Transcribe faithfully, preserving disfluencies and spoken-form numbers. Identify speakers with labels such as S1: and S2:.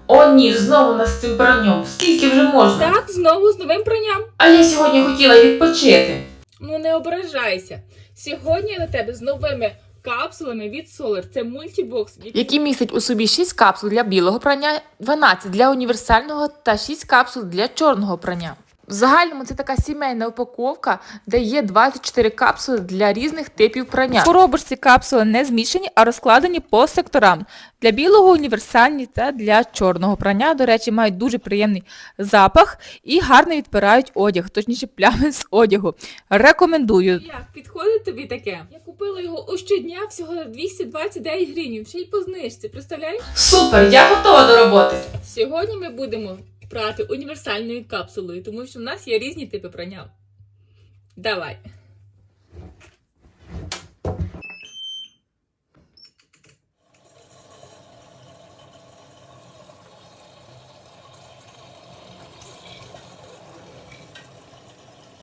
S1: О ні, знову нас з цим пранням. Скільки вже можна?
S2: Так, знову з новим пранням.
S1: А я сьогодні хотіла відпочити.
S2: Ну не ображайся. Сьогодні я до тебе з новими капсулами від Solar. Це мультібокс,
S3: Який містить у собі шість капсул для білого прання, дванадцять для універсального та шість капсул для чорного прання. В загальному це така сімейна упаковка, де є двадцять чотири капсули для різних типів прання. В коробочці капсули не змішані, а розкладені по секторам. Для білого універсальні та для чорного прання, до речі, мають дуже приємний запах і гарно відпирають одяг, точніше плями з одягу. Рекомендую.
S2: Як підходить тобі таке? Я купила його у щодня всього за двісті двадцять дев'ять гривень, ще й по знижці, представляєш?
S1: Супер, я готова до роботи.
S2: Сьогодні ми будемо прати універсальною капсулою, тому що в нас є різні типи прання. Давай.